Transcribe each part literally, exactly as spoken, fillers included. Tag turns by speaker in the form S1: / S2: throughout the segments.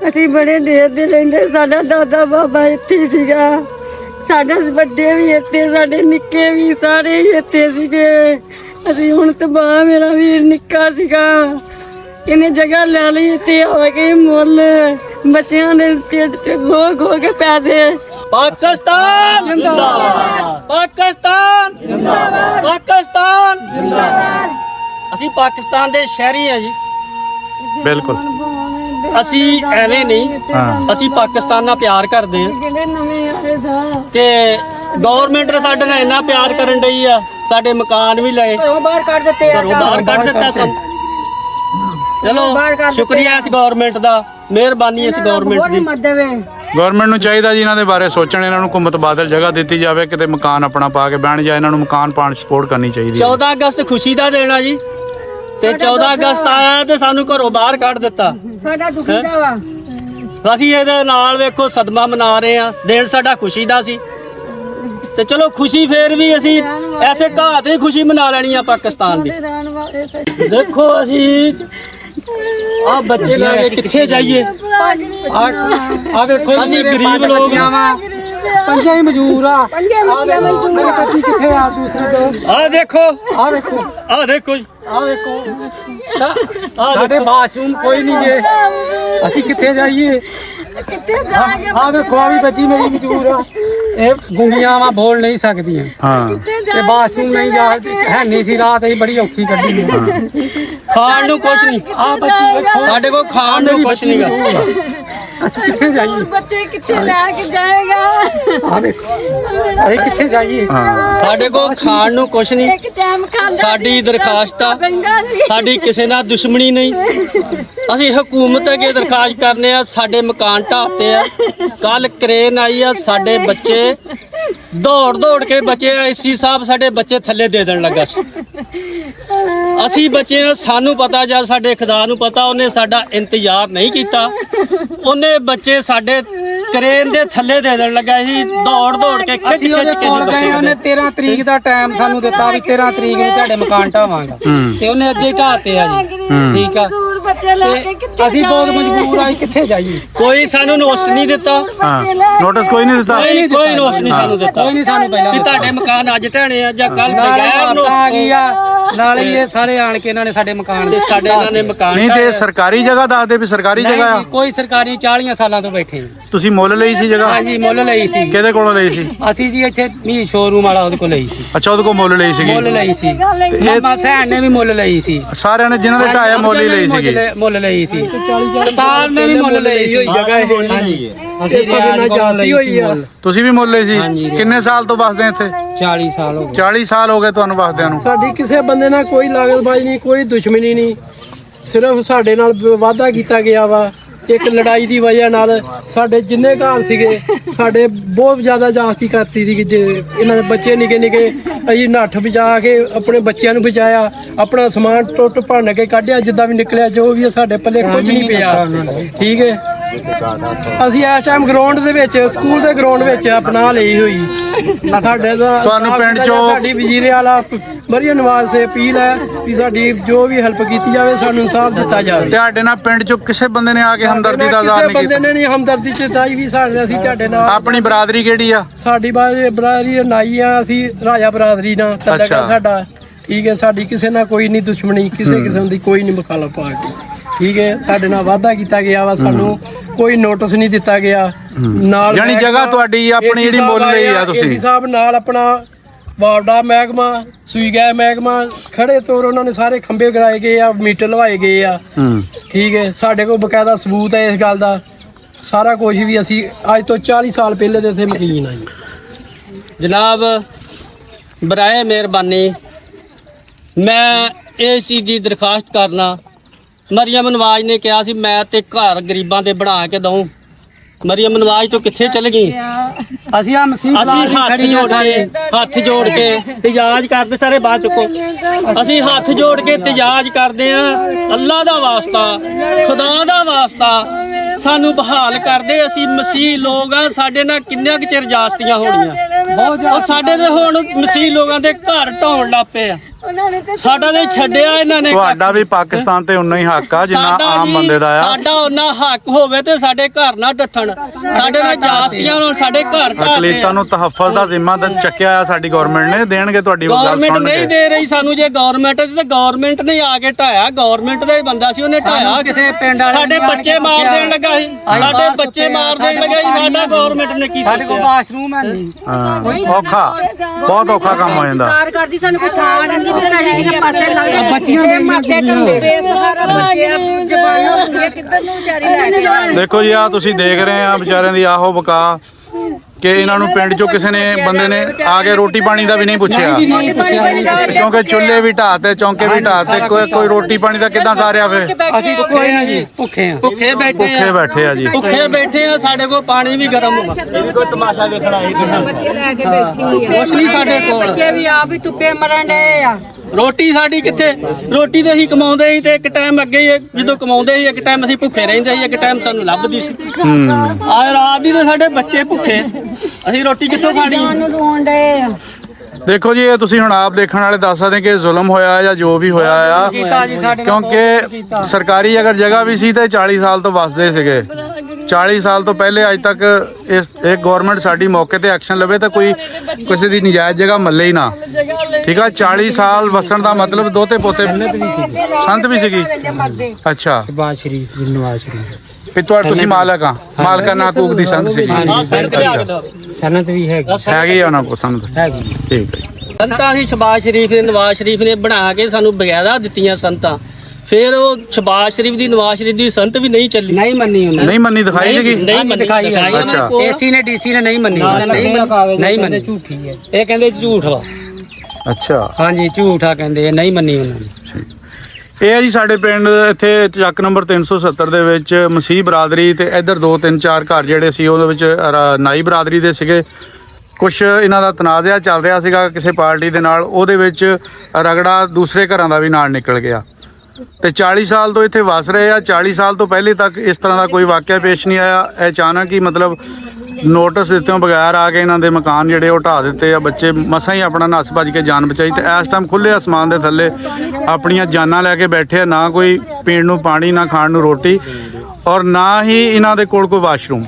S1: ਅਸੀਂ ਬੜੇ ਦੇਰ ਦੇ ਰਹਿੰਦੇ। ਸਾਡਾ ਦਾਦਾ ਬਾਬਾ ਇੱਥੇ ਸੀਗਾ, ਸਾਡੇ ਵੱਡੇ ਵੀ ਇੱਥੇ, ਸਾਡੇ ਨਿੱਕੇ ਵੀ ਸਾਰੇ ਹੀ ਇੱਥੇ ਸੀਗੇ। ਅਸੀਂ ਹੁਣ ਤਬਾਹ, ਮੇਰਾ ਵੀਰ ਨਿੱਕਾ ਸੀਗਾ, ਇਹਨੇ ਜਗ੍ਹਾ ਲੈ ਲਈ ਇੱਥੇ ਆ ਕੇ ਮੁੱਲ ਬੱਚਿਆਂ ਦੇ ਢਿੱਡ ਚ ਖੋ ਖੋ ਕੇ ਪੈਸੇ।
S2: ਪਾਕਿਸਤਾਨ ਜਿੰਦਾਬਾਦ, ਪਾਕਿਸਤਾਨ ਜਿੰਦਾਬਾਦ, ਪਾਕਿਸਤਾਨ ਜਿੰਦਾਬਾਦ। ਅਸੀਂ ਪਾਕਿਸਤਾਨ ਦੇ ਸ਼ਹਿਰੀ ਆ ਜੀ, ਬਿਲਕੁਲ। ਅਸੀਂ ਐਵੇਂ ਨਹੀਂ, ਅਸੀਂ ਪਾਕਿਸਤਾਨ ਨਾਲ ਪਿਆਰ ਕਰਦੇ ਆ ਤੇ ਗਵਰਨਮੈਂਟ ਨੇ ਸਾਡੇ ਨਾਲ ਇੰਨਾ ਪਿਆਰ ਕਰਨ ਡਈ ਆ, ਸਾਡੇ ਮਕਾਨ ਵੀ ਲਏ, ਬਾਹਰ ਕੱਢ ਦਿੱਤੇ, ਘਰੋਂ ਬਾਹਰ ਕੱਢ ਦਿੱਤਾ ਸਾਨੂੰ। ਚਲੋ ਸ਼ੁਕਰੀਆ ਇਸ ਗਵਰਨਮੈਂਟ ਦਾ, ਮਿਹਰਬਾਨੀ ਇਸ ਗਵਰਨਮੈਂਟ ਦੀ।
S3: ਗਵਰਨਮੈਂਟ ਨੂੰ ਚਾਹੀਦਾ ਜੀ ਇਹਨਾਂ ਦੇ ਬਾਰੇ ਸੋਚਣ, ਇਹਨਾਂ ਨੂੰ ਘੁੰਮਤ ਬਾਦਲ ਜਗ੍ਹਾ ਦਿੱਤੀ ਜਾਵੇ, ਕਿਤੇ ਮਕਾਨ ਆਪਣਾ ਪਾ ਕੇ ਬਹਿਣ, ਜਾਂ ਇਹਨਾਂ ਨੂੰ ਮਕਾਨ ਪਾਉਣ ਸਪੋਰਟ ਕਰਨੀ ਚਾਹੀਦੀ।
S2: ਚੌਦਾਂ ਅਗਸਤ ਖੁਸ਼ੀ ਦਾ ਦਿਨ ਆ ਜੀ, ਤੇ ਚੌਦਾਂ ਅਗਸਤ ਆਇਆ ਤੇ ਸਾਨੂੰ ਘਰੋਂ ਬਾਹਰ ਕੱਢ ਦਿੱਤਾ।
S1: ਸਾਡਾ ਦੁਖੀ ਦਾ ਵਾ,
S2: ਅਸੀਂ ਇਹਦੇ ਨਾਲ ਵੇਖੋ ਸਦਮਾ ਮਨਾ ਰਹੇ ਆ। ਦਿਨ ਸਾਡਾ ਖੁਸ਼ੀ ਦਾ ਸੀ ਤੇ ਚਲੋ ਖੁਸ਼ੀ ਫੇਰ ਵੀ ਅਸੀਂ ਐਸੇ ਘਾਤ ਹੀ ਖੁਸ਼ੀ ਮਨਾ ਲੈਣੀ ਆ ਪਾਕਿਸਤਾਨ ਦੀ। ਦੇਖੋ ਅਸੀਂ ਆ ਬੱਚੇ ਲੈ ਕੇ ਕਿੱਥੇ ਜਾਈਏ, ਆ ਵੇਖੋ ਅਸੀਂ ਗਰੀਬ ਲੋਕ ਆ,
S4: ਪੰਜਾਂ ਹੀ ਮਜ਼ਦੂਰ ਆ, ਮੇਰੇ ਬੱਚੀ ਕਿੱਥੇ ਆ ਦੂਸਰੀ ਤੋਂ।
S2: ਆ ਦੇਖੋ, ਆ ਵੇਖੋ, ਆ ਦੇਖੋ ਜੀ,
S4: ਆ ਵੇਖੋ ਸਾਡੇ ਬਾਥਰੂਮ ਕੋਈ ਨਹੀਂ ਜੇ, ਅਸੀਂ ਕਿੱਥੇ ਜਾਈਏ। ਆ ਵੇਖੋ ਆ ਵੀ ਬੱਚੀ ਮੇਰੀ ਮਜ਼ਦੂਰ ਆ, ਇਹ ਗੁੰਗੀਆਂ ਵਾ, ਬੋਲ ਨਹੀਂ ਸਕਦੀਆਂ
S3: ਹਾਂ,
S4: ਤੇ ਬਾਥਰੂਮ ਨਹੀਂ ਜਾ ਹੈ ਨਹੀਂ ਸੀ, ਰਾਤ ਅਸੀਂ ਬੜੀ ਔਖੀ ਕੱਢੀ।
S2: ਖਾਣ ਨੂੰ ਕੁਛ ਨਹੀਂ,
S4: ਆ ਬੱਚੀ ਵੇਖੋ,
S2: ਸਾਡੇ ਕੋਲ ਖਾਣ ਨੂੰ ਕੁਛ ਨਹੀਂਗਾ,
S4: ਅਸੀਂ ਕਿੱਥੇ ਜਾਈਏ।
S1: ਬੱਚੇ ਕਿੱਥੇ ਲੈ ਕੇ ਜਾਏਗਾ,
S4: ਆ ਵੇਖੋ ਅਸੀਂ ਕਿੱਥੇ ਜਾਈਏ।
S2: ਸਾਡੇ ਕੋਲ ਖਾਣ ਨੂੰ ਕੁਛ ਨਹੀਂ।
S1: ਇੱਕ ਟਾਈਮ ਖਾਂਦਾ,
S2: ਸਾਡੀ ਦਰਖਾਸਤ ਆ, ਸਾਡੀ ਕਿਸੇ ਨਾਲ ਦੁਸ਼ਮਣੀ ਨਹੀਂ। ਅਸੀਂ ਹਕੂਮਤ ਅੱਗੇ ਦਰਖਾਸਤ ਕਰਨੇ ਆ, ਸਾਡੇ ਮਕਾਨ ਢਾਹਤੇ ਆ। ਕੱਲ ਕਰੇਨ ਆਈ ਆ, ਸਾਡੇ ਬੱਚੇ ਦੌੜ ਦੌੜ ਕੇ ਬਚੇ ਆ। ਏਸੀ ਸਾਹਿਬ ਸਾਡੇ ਬੱਚੇ ਥੱਲੇ ਦੇ ਦੇਣ ਲੱਗਾ ਸੀ। ਅਸੀਂ ਬੱਚੇ ਆ, ਸਾਨੂੰ ਪਤਾ, ਜਾਂ ਸਾਡੇ ਖੁਦਾ ਨੂੰ ਪਤਾ, ਉਹਨੇ ਸਾਡਾ ਇੰਤਜ਼ਾਰ ਨਹੀਂ ਕੀਤਾ। ਉਹਨੇ ਬੱਚੇ ਸਾਡੇ ਕਰੇਨ ਦੇ ਥੱਲੇ ਦੇ ਦੇਣ ਲੱਗਾ ਸੀ, ਦੌੜ ਦੌੜ ਕੇ ਖਿੱਚ ਖਿੱਚ ਕੇ ਬੱਚੇ।
S4: ਉਹਨੇ ਤੇਰਾਂ ਤਰੀਕ ਦਾ ਟਾਈਮ ਸਾਨੂੰ ਦਿੱਤਾ ਵੀ ਤੇਰਾਂ ਤਰੀਕ ਨੂੰ ਤੁਹਾਡੇ ਮਕਾਨ ਢਾਵਾਂਗਾ, ਤੇ ਉਹਨੇ ਅੱਜੇ ਢਾਤੇ ਆ ਜੀ। ਠੀਕ ਆ,
S1: ਬੱਚੇ ਲੈ ਕੇ ਕਿੱਥੇ
S4: ਅਸੀਂ ਬਹੁਤ ਮਜਬੂਰ ਆ, ਕਿੱਥੇ ਜਾਈਏ।
S2: ਕੋਈ ਸਾਨੂੰ ਨੋਟਿਸ ਨਹੀਂ ਦਿੱਤਾ,
S3: ਨੋਟਿਸ ਕੋਈ ਨਹੀਂ ਦਿੱਤਾ,
S2: ਕੋਈ ਕੋਈ ਨੋਟਿਸ ਨਹੀਂ ਸਾਨੂੰ ਦਿੱਤਾ,
S4: ਕੋਈ ਨਹੀਂ ਸਾਨੂੰ ਪਹਿਲਾਂ
S2: ਵੀ ਤੁਹਾਡੇ ਮਕਾਨ ਅੱਜ ਢਹਿਣੇ ਆ ਜਾਂ ਕੱਲ ਬਗੈਰ
S4: ਆ ਗਈ
S2: ਨੋਟਿਸ।
S4: ਆ ਨਾਲੇ ਇਹ ਸਾਰੇ ਆਣ ਕੇ ਇਹਨਾਂ ਨੇ ਸਾਡੇ ਮਕਾਨ
S2: ਤੇ ਸਾਡੇ ਇਹਨਾਂ ਨੇ ਮਕਾਨ
S3: ਨਹੀਂ ਤੇ ਸਰਕਾਰੀ ਜਗ੍ਹਾ ਦੱਸਦੇ ਵੀ ਸਰਕਾਰੀ ਜਗ੍ਹਾ ਆ।
S4: ਕੋਈ ਸਰਕਾਰੀ ਚਾਲੀਆਂ ਸਾਲਾਂ ਤੋਂ ਬੈਠੇ।
S3: ਤੁਸੀਂ ਮੁੱਲ ਲਈ ਸੀ ਜਗ੍ਹਾ?
S4: ਹਾਂਜੀ ਮੁੱਲ ਲਈ ਸੀ।
S3: ਕਿਹਦੇ ਕੋਲੋਂ ਲਈ ਸੀ?
S4: ਅਸੀਂ ਜੀ ਇੱਥੇ ਮੀ ਸ਼ੋਰੂਮ ਵਾਲਾ ਉਹਦੇ ਕੋਲ ਲਈ ਸੀ।
S3: ਅੱਛਾ, ਉਹਦੇ ਕੋਲ ਮੁੱਲ ਲਈ ਸੀਗੀ।
S4: ਮੁੱਲ ਲਈ ਸੀ, ਮਾਮਾ ਸਹਿਣ ਨੇ ਵੀ ਮੁੱਲ ਲਈ ਸੀ,
S3: ਸਾਰਿਆਂ ਨੇ ਜਿਹਨਾਂ ਦੇ ਢਾਇਆ ਮੁੱਲ ਹੀ ਲਈ ਸੀਗੀ।
S4: ਮੁੱਲ ਲਈ ਸੀ, ਸਤਾਲ ਨੇ ਵੀ ਮੁੱਲ ਲਈ ਸੀ। ਅਸੀਂ ਸਾਡੇ ਨਾਲ ਜਾਤੀ ਹੋਈ ਆ।
S3: ਤੁਸੀਂ ਵੀ ਮੁੱਲ ਲਈ ਸੀ? ਕਿੰਨੇ ਸਾਲ ਤੋਂ ਵਸਦੇ ਇੱਥੇ?
S4: ਚਾਲੀ ਸਾਲ ਹੋ ਗਏ।
S3: ਚਾਲੀ ਸਾਲ ਹੋ ਗਏ ਤੁਹਾਨੂੰ ਵਸਦਿਆਂ ਨੂੰ।
S4: ਸਾਡੀ ਕਿਸੇ ਬੰਦੇ ਨਾਲ ਕੋਈ ਲਾਗਤਬਾਜ਼ੀ ਨਹੀਂ, ਕੋਈ ਦੁਸ਼ਮਣੀ ਨਹੀਂ, ਸਿਰਫ ਸਾਡੇ ਨਾਲ ਵਾਅਦਾ ਕੀਤਾ ਗਿਆ ਵਾ। ਇੱਕ ਲੜਾਈ ਦੀ ਵਜ੍ਹਾ ਨਾਲ ਸਾਡੇ ਜਿੰਨੇ ਘਰ ਸੀਗੇ, ਸਾਡੇ ਬਹੁਤ ਜ਼ਿਆਦਾ ਜਾਤੀ ਕਰਤੀ ਸੀ। ਜੇ ਇਹਨਾਂ ਦੇ ਬੱਚੇ ਨਿੱਕੇ ਨਿੱਕੇ, ਅਸੀਂ ਨੱਠ ਬਚਾ ਕੇ ਆਪਣੇ ਬੱਚਿਆਂ ਨੂੰ ਬਚਾਇਆ, ਆਪਣਾ ਸਮਾਨ ਟੁੱਟ ਭੰਨ ਕੇ ਕੱਢਿਆ, ਜਿੱਦਾਂ ਵੀ ਨਿਕਲਿਆ। ਜੋ ਵੀ ਸਾਡੇ ਪੱਲੇ ਕੁਝ ਨਹੀਂ ਪਿਆ। ਠੀਕ ਹੈ, ਅਸੀਂ ਇਸ ਟਾਈਮ ਗਰਾਊਂਡ ਦੇ ਵਿੱਚ, ਸਕੂਲ ਦੇ ਗਰਾਊਂਡ ਵਿੱਚ ਆਪਣਾ ਲਈ ਹੋਈ। ਸਾਡੇ ਦਾ
S3: ਤੁਹਾਨੂੰ ਪਿੰਡ ਚੋਂ
S4: ਸਾਡੀ ਵਜ਼ੀਰੇ ਵਾਲਾ ਮਰੀਮ ਨਵਾਜ਼ ਸੇ ਅਪੀਲ ਹੈ ਵੀ ਸਾਡੀ ਜੋ ਵੀ ਹੈਲਪ ਕੀਤੀ ਜਾਵੇ, ਸਾਨੂੰ ਇਨਸਾਫ ਦਿੱਤਾ ਜਾਵੇ।
S3: ਤੁਹਾਡੇ ਨਾਲ ਪਿੰਡ ਚੋਂ ਕਿਸੇ ਬੰਦੇ ਨੇ ਆ ਕੇ ਹਮਦਰਦੀ ਦਾ ਇਜ਼ਹਾਰ ਨਹੀਂ
S4: ਕੀਤਾ? ਕਿਸੇ ਬੰਦੇ ਨੇ ਨਹੀਂ ਹਮਦਰਦੀ ਚੇਤਾਈ ਵੀ ਸਾਡੇ, ਅਸੀਂ ਤੁਹਾਡੇ ਨਾਲ।
S3: ਆਪਣੀ ਬਰਾਦਰੀ ਕਿਹੜੀ ਆ?
S4: ਸਾਡੀ ਬਰਾਦਰੀ ਨਾਈ ਆ, ਅਸੀਂ ਰਾਜਾ ਬਰਾਦਰੀ ਨਾਲ ਤਲਕ ਸਾਡਾ। ਠੀਕ ਹੈ, ਸਾਡੀ ਕਿਸੇ ਨਾਲ ਕੋਈ ਨਹੀਂ ਦੁਸ਼ਮਣੀ, ਕਿਸੇ ਕਿਸਮ ਦੀ ਕੋਈ ਨਹੀਂ ਮੁਖਾਲਫ ਪਾਰਟੀ। ਠੀਕ ਹੈ, ਸਾਡੇ ਨਾਲ ਵਾਅਦਾ ਕੀਤਾ ਗਿਆ ਵਾ, ਸਾਨੂੰ ਕੋਈ ਨੋਟਿਸ ਨਹੀਂ ਦਿੱਤਾ ਗਿਆ। ਨਾਲ
S3: ਯਾਨੀ ਜਗ੍ਹਾ ਤੁਹਾਡੀ ਆਪਣੀ ਜਿਹੜੀ ਮੁੱਲ ਲਈ ਆ ਤੁਸੀਂ?
S4: ਏਸੀ ਸਾਹਿਬ ਨਾਲ ਆਪਣਾ ਵਾਰਡਾ ਮਹਿਕਮਾ, ਸੂਈ ਗਏ ਮਹਿਕਮਾ ਖੜੇ ਤੋਰ, ਉਹਨਾਂ ਨੇ ਸਾਰੇ ਖੰਭੇ ਗੜਾਏ ਗਏ ਆ, ਮੀਟਰ ਲਵਾਏ ਗਏ ਆ। ਠੀਕ ਹੈ, ਸਾਡੇ ਕੋਲ ਬਕਾਇਦਾ ਸਬੂਤ ਹੈ ਇਸ ਗੱਲ ਦਾ। ਸਾਰਾ ਕੁਝ ਵੀ ਅਸੀਂ ਅੱਜ ਤੋਂ ਚਾਲੀ ਸਾਲ ਪਹਿਲੇ ਦੇ ਇੱਥੇ ਮਕੀਨ ਆ ਜੀ।
S2: ਜਨਾਬ ਬਰਾਏ ਮਿਹਰਬਾਨੀ, ਮੈਂ ਇਸ ਚੀਜ਼ ਦੀ ਦਰਖਾਸਤ ਕਰਨਾ। ਮਰੀਮ ਨਵਾਜ਼ ਨੇ ਕਿਹਾ ਸੀ ਮੈਂ ਤੇ ਘਰ ਗਰੀਬਾਂ ਦੇ ਬਣਾ ਕੇ ਦਊਂ। ਮਰੀਮ ਨਵਾਜ਼ ਤੋਂ ਕਿੱਥੇ ਚਲ ਗਈ?
S4: ਅਸੀਂ ਆ ਮਸੀਹ
S2: ਅਸੀਂ ਹੱਥ ਜੋੜ ਕੇ ਹੱਥ ਜੋੜ ਕੇ ਇਤਜਾਜ ਕਰਦੇ, ਸਾਰੇ ਬਾਅਦ ਚੁੱਕੋ। ਅਸੀਂ ਹੱਥ ਜੋੜ ਕੇ ਇਤਜਾਜ ਕਰਦੇ ਆ, ਅੱਲਾ ਦਾ ਵਾਸਤਾ, ਖੁਦਾ ਦਾ ਵਾਸਤਾ, ਸਾਨੂੰ ਬਹਾਲ ਕਰਦੇ। ਅਸੀਂ ਮਸੀਹ ਲੋਕ ਆ, ਸਾਡੇ ਨਾਲ ਕਿੰਨੀਆਂ ਕੁ ਚਿਰ ਜਾਸਤੀਆਂ ਹੋਣੀਆਂ। ਬਹੁਤ ਜ਼ਿਆਦਾ ਸਾਡੇ ਤੇ ਹੁਣ ਮਸੀਹ ਲੋਕਾਂ ਦੇ ਘਰ ਢਾਉਣ ਲੱਗ ਪਏ ਆ। ਸਾਡਾ ਤੇ ਛੱਡਿਆ ਇਹਨਾਂ ਨੇ।
S3: ਤੁਹਾਡਾ ਵੀ ਪਾਕਿਸਤਾਨ ਤੇ ਉਨਾ ਹੀ ਹੱਕ ਆ ਜਿੰਨਾ
S2: ਸਾਡਾ
S3: ਆਮ
S2: ਜੀ,
S3: ਬੰਦੇ ਦਾ ਆ।
S2: ਸਾਡਾ ਉਹਨਾਂ ਹੱਕ ਹੋਵੇ ਤੇ ਸਾਡੇ ਘਰ ਨਾ ਡੱਠਣ, ਸਾਡੇ ਨਾਲ ਜਾਸਤੀਆਂ ਹੋਣ, ਸਾਡੇ ਘਰ ਢਾਹ
S3: ਅਕਲੀਤਾਂ ਨੂੰ ਤਹੱਫੁਜ਼ ਦਾ ਜ਼ਿੰਮਾ ਤਾਂ ਚੱਕਿਆ ਆ ਸਾਡੀ ਗਵਰਨਮੈਂਟ ਨੇ, ਦੇਣਗੇ ਤੁਹਾਡੀ ਗੱਲ
S2: ਗਵਰਨਮੈਂਟ
S3: ਸੁਣ
S2: ਨਹੀਂ
S3: ਕੇ।
S2: ਦੇ ਰਹੀ ਸਾਨੂੰ। ਜੇ ਗਵਰਨਮੈਂਟ ਤੇ ਗਵਰਨਮੈਂਟ ਨੇ ਆ ਕੇ ਢਾਇਆ, ਗਵਰਨਮੈਂਟ ਦਾ ਹੀ ਬੰਦਾ ਸੀ, ਉਹਨੇ ਢਾਇਆ।
S5: ਕਿਸੇ ਪਿੰਡ ਵਾਲੇ
S2: ਸਾਡੇ ਬੱਚੇ ਮਾਰ ਦੇਣ ਲੱਗਾ ਸੀ, ਸਾਡੇ ਬੱਚੇ ਮਾਰ ਦੇਣ ਲੱਗਾ ਸੀ। ਸਾਡਾ ਗਵਰਨਮੈਂਟ ਨੇ ਕੀ
S5: ਸਾਡੇ ਕੋਲ
S2: ਸੋਚਿਆ?
S5: ਵਾਸ਼ਰੂਮ ਹੈ ਨਹੀਂ।
S3: ਹਾਂ ਔਖਾ, ਬਹੁਤ ਔਖਾ ਕੰਮ ਹੋ ਜਾਂਦਾ।
S1: ਕਾਰ ਕਰਦੀ ਸਾਨੂੰ ਕੋਈ ਥਾਂ ਨਹੀਂ ਤੇ ਸਾਡੇ ਦੇ ਪਾਸੇ ਲੱਗ ਬੱਚੀਆਂ ਦੇ ਮਾਥੇ ਕੰਦੇ ਬੇਸਹਾਰਾ ਬੱਚੇ ਜਵਾਨਾਂ ਹੁੰਦੀਆਂ ਕਿੱਧਰ ਨੂੰ ਵਿਚਾਰੀ ਲੈ ਕੇ ਜਾਣ।
S3: ਦੇਖੋ ਜੀ ਆ ਤੁਸੀਂ ਦੇਖ ਰਹੇ ਆ ਵਿਚਾਰਿਆਂ ਦੀ ਆਹੋ ਬਕਾ ਕਿ ਇਹਨਾਂ ਨੂੰ ਪਿੰਡ ਚੋਂ ਕਿਸੇ ਨੇ ਬੰਦੇ ਨੇ ਆ ਕੇ ਰੋਟੀ ਪਾਣੀ ਦਾ ਵੀ ਨਹੀਂ ਪੁੱਛਿਆ, ਕਿਉਂਕਿ ਚੁੱਲ੍ਹੇ ਵੀ ਢਾਤੇ, ਚੌਂਕੇ ਵੀ ਢਾਤੇ, ਕੋਈ ਕੋਈ ਰੋਟੀ ਪਾਣੀ ਦਾ ਕਿੱਦਾਂ ਸਾਰਿਆ ਫੇ?
S5: ਅਸੀਂ ਕੋਈ ਨਾ ਜੀ ਭੁੱਖੇ ਆ।
S2: ਭੁੱਖੇ ਬੈਠੇ
S3: ਭੁੱਖੇ
S2: ਆ,
S3: ਬੈਠੇ ਆ ਜੀ।
S2: ਭੁੱਖੇ ਬੈਠੇ ਆ। ਸਾਡੇ ਕੋਲ ਪਾਣੀ ਵੀ ਗਰਮ ਵਾ,
S1: ਬੱਚੇ ਲੈ ਕੇ ਬੈਠੀ ਆ।
S2: ਕੁਛ ਨਹੀਂ ਸਾਡੇ ਕੋਲ।
S1: ਬੱਚੇ ਵੀ ਆਪ ਹੀ ਧੁੱਪੇ ਮਰਨ ਡਏ ਆ।
S2: ਰੋਟੀ ਸਾਡੀ ਕਿੱਥੇ? ਰੋਟੀ ਤੇ ਅਸੀਂ ਕਮਾਉਂਦੇ ਸੀ ਤੇ ਇੱਕ ਟਾਈਮ ਅੱਗੇ ਹੀ ਜਦੋਂ ਕਮਾਉਂਦੇ ਸੀ, ਇੱਕ ਟਾਈਮ ਅਸੀਂ ਭੁੱਖੇ ਰਹਿੰਦੇ ਸੀ, ਇੱਕ ਟਾਈਮ ਸਾਨੂੰ ਲੱਭਦੀ ਸੀ। ਆ ਰਾਤ ਦੀ ਤੇ ਸਾਡੇ ਬੱਚੇ ਭੁੱਖੇ, ਅਸੀਂ ਰੋਟੀ ਕਿੱਥੋਂ ਖਾਣੀ?
S1: ਸਾਨੂੰ ਰੋਣ ਡਏ ਆ।
S3: ਦੇਖੋ ਜੀ ਇਹ ਤੁਸੀਂ ਹੁਣ ਆਪ ਦੇਖਣ ਵਾਲੇ ਦੱਸ ਸਕਦੇ ਕਿ ਜ਼ੁਲਮ ਹੋਇਆ ਜਾਂ ਜੋ ਵੀ ਹੋਇਆ ਆ, ਕਿਉਂਕਿ ਸਰਕਾਰੀ ਅਗਰ ਜਗ੍ਹਾ ਵੀ ਸੀ ਤੇ ਚਾਲੀ ਸਾਲ ਤੋਂ ਵਸਦੇ ਸੀਗੇ। ਚਾਲੀ ਸਾਲ ਤੋਂ ਪਹਿਲੇ ਅੱਜ ਤੱਕ ਇਸ ਇਹ ਗਵਰਨਮੈਂਟ ਸਾਡੀ ਮੌਕੇ ਤੇ ਐਕਸ਼ਨ ਲਵੇ ਤਾਂ ਕੋਈ ਕਿਸੇ ਦੀ ਨਜਾਇਜ਼ ਜਗ੍ਹਾ ਮੱਲੇ ਹੀ ਨਾ। ਠੀਕ ਆ, ਚਾਲੀ ਸਾਲ ਵਸਣ ਦਾ ਮਤਲਬ ਦੋਤੇ ਪੋਤੇ ਸੰਤ ਵੀ ਸੀਗੀ। ਅੱਛਾ,
S5: ਸ਼ਹਿਬਾਜ਼ ਸ਼ਰੀਫ, ਨਵਾਜ਼ ਸ਼ਰੀਫ
S3: ਵੀ ਤੁਹਾਡੇ ਤੁਸੀਂ ਮਾਲਕ ਆ, ਮਾਲਕਾ ਨਾ ਕੂਕ ਦੀ ਸੰਤ ਸੀਗੀ।
S2: ਹਾਂ, ਸੰਤ ਲਿਆ ਕੇ ਦਿਓ।
S5: ਸਨਤ ਵੀ ਹੈਗੀ
S3: ਹੈਗੀ ਆ ਉਹਨਾਂ ਕੋਲ ਸੰਤ।
S5: ਹੈਗੀ।
S3: ਠੀਕ ਹੈ।
S2: ਸੰਤਾਂ ਅਸੀਂ ਸ਼ਹਿਬਾਜ਼ ਸ਼ਰੀਫ ਨੇ, ਨਵਾਜ਼ ਸ਼ਰੀਫ ਨੇ ਬਣਾ ਕੇ ਸਾਨੂੰ ਬਗੈਰਾ ਦਿੱਤੀਆਂ ਸੰਤਾਂ। ਫਿਰ ਉਹ ਸ਼ਹਿਬਾਜ਼ ਸ਼ਰੀਫ ਦੀ, ਨਵਾਜ਼ ਸ਼ਰੀਫ ਦੀ ਸੰਤ ਵੀ ਨਹੀਂ ਚੱਲੀ।
S5: ਨਹੀਂ ਮੰਨੀ ਉਹਨੇ।
S3: ਨਹੀਂ ਮੰਨੀ ਦਿਖਾਈ ਸੀਗੀ।
S2: ਨਹੀਂ ਮੰਨੀ,
S5: ਦਿਖਾਈ
S2: ਦਿਖਾਈ ਉਹਨਾਂ
S3: ਅੱਛਾ।
S2: ਕੋਲ।
S5: ਏਸੀ ਨੇ ਡੀਸੀ ਨੇ ਨਹੀਂ ਮੰਨੀ। ਨਹੀਂ ਮੰਨੀ, ਝੂਠੀ ਹੈ ਇਹ, ਕਹਿੰਦੇ ਝੂਠ ਵਾ।
S3: ਅੱਛਾ,
S5: ਹਾਂਜੀ ਝੂਠ ਆ ਕਹਿੰਦੇ, ਇਹ ਨਹੀਂ ਮੰਨੀ ਉਹਨਾਂ ਨੇ।
S3: ਇਹ ਹੈ ਜੀ ਸਾਡੇ ਪਿੰਡ ਇੱਥੇ ਚੱਕ ਨੰਬਰ ਤਿੰਨ ਸੌ ਸੱਤਰ ਦੇ ਵਿੱਚ ਮਸੀਹ ਬਰਾਦਰੀ ਤੇ ਇੱਧਰ ਦੋ ਤਿੰਨ ਚਾਰ ਘਰ ਜਿਹੜੇ ਸੀ ਉਹਦੇ ਵਿੱਚ ਰ- ਨਾਈ ਬਰਾਦਰੀ ਦੇ ਸੀਗੇ। ਕੁਛ ਇਹਨਾਂ ਦਾ ਤਨਾਜ਼ਾ ਚੱਲ ਰਿਹਾ ਸੀਗਾ ਕਿਸੇ ਪਾਰਟੀ ਦੇ ਨਾਲ, ਉਹਦੇ ਵਿੱਚ ਰਗੜਾ ਦੂਸਰੇ ਘਰਾਂ ਦਾ ਵੀ ਨਾਲ ਨਿਕਲ ਗਿਆ ਤੇ ਚਾਲੀ ਸਾਲ ਤੋਂ ਇੱਥੇ ਵਸ ਰਹੇ ਆ। ਚਾਲੀ ਸਾਲ ਤੋਂ ਪਹਿਲੇ ਤੱਕ ਇਸ ਤਰ੍ਹਾਂ ਦਾ ਕੋਈ ਵਾਕਿਆ ਪੇਸ਼ ਨਹੀਂ ਆਇਆ। ਇਹ ਅਚਾਨਕ ਹੀ ਮਤਲਬ ਨੋਟਿਸ ਦਿੱਤਿਓਂ ਬਗੈਰ ਆ ਕੇ ਇਹਨਾਂ ਦੇ ਮਕਾਨ ਜਿਹੜੇ ਉਹ ਢਾਹ ਦਿੱਤੇ ਆ। ਬੱਚੇ ਮਸਾਂ ਹੀ ਆਪਣਾ ਨੱਸ ਭੱਜ ਕੇ ਜਾਨ ਬਚਾਈ ਤੇ ਇਸ ਟਾਈਮ ਖੁੱਲੇ ਅਸਮਾਨ ਦੇ ਥੱਲੇ ਆਪਣੀਆਂ ਜਾਨਾਂ ਲੈ ਕੇ ਬੈਠੇ ਆ। ਨਾ ਕੋਈ ਪੀਣ ਨੂੰ ਪਾਣੀ, ਨਾ ਖਾਣ ਨੂੰ ਰੋਟੀ, ਔਰ ਨਾ ਹੀ ਇਹਨਾਂ ਦੇ ਕੋਲ ਕੋਈ ਵਾਸ਼ਰੂਮ।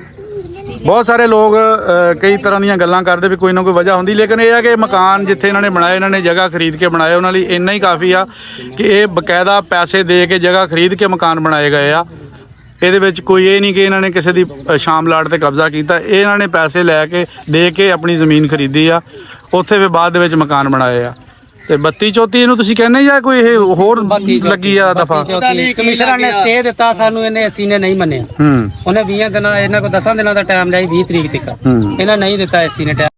S3: ਬਹੁਤ ਸਾਰੇ ਲੋਕ ਅ, ਕਈ ਤਰ੍ਹਾਂ ਦੀਆਂ ਗੱਲਾਂ ਕਰਦੇ ਵੀ ਕੋਈ ਨਾ ਕੋਈ ਵਜ੍ਹਾ ਹੁੰਦੀ, ਲੇਕਿਨ ਇਹ ਆ ਕਿ ਮਕਾਨ ਜਿੱਥੇ ਇਹਨਾਂ ਨੇ ਬਣਾਏ, ਇਹਨਾਂ ਨੇ ਜਗ੍ਹਾ ਖਰੀਦ ਕੇ ਬਣਾਏ, ਉਹਨਾਂ ਲਈ ਇੰਨਾ ਹੀ ਕਾਫੀ ਆ ਕਿ ਇਹ ਬਕਾਇਦਾ ਪੈਸੇ ਦੇ ਕੇ ਜਗ੍ਹਾ ਖਰੀਦ ਕੇ ਮਕਾਨ ਬਣਾਏ ਗਏ ਆ। ਇਹਦੇ ਵਿੱਚ ਕੋਈ ਇਹ ਨਹੀਂ ਕਿ ਇਹਨਾਂ ਨੇ ਕਿਸੇ ਦੀ ਅ, ਸ਼ਾਮ ਲਾਟ ਤੇ ਕਬਜ਼ਾ ਕੀਤਾ। ਇਹ ਇਹਨਾਂ ਨੇ ਪੈਸੇ ਲੈ ਕੇ ਦੇ ਕੇ ਆਪਣੀ ਜ਼ਮੀਨ ਖਰੀਦੀ ਆ, ਉੱਥੇ ਫਿਰ ਬਾਅਦ ਦੇ ਵਿੱਚ ਮਕਾਨ ਬਣਾਏ ਆ। ਤੇ ਬੱਤੀ ਚੌਥੀ ਇਹਨੂੰ ਤੁਸੀਂ ਕਹਿੰਦੇ ਜਾਂ ਕੋਈ ਇਹ ਹੋਰ ਲੱਗੀ ਆ ਦਫਾ?
S5: ਕਮਿਸ਼ਨਰ ਨੇ ਸਟੇ ਦਿੱਤਾ ਸਾਨੂੰ, ਇਹਨੇ ਅਸੀਂ ਨੇ ਨਹੀਂ ਮੰਨਿਆ।
S3: ਹੂੰ
S5: ਉਹਨੇ ਵੀਹ ਦਿਨਾਂ, ਇਹਨਾਂ ਕੋਲ ਦਸਾਂ ਦਿਨਾਂ ਦਾ ਟਾਈਮ ਲਿਆ, ਵੀਹ ਤਰੀਕ ਤੱਕ।
S3: ਹੂੰ
S5: ਇਹਨਾਂ ਨਹੀਂ ਦਿੱਤਾ ਏਸੀ ਨੇ ਟਾਈਮ।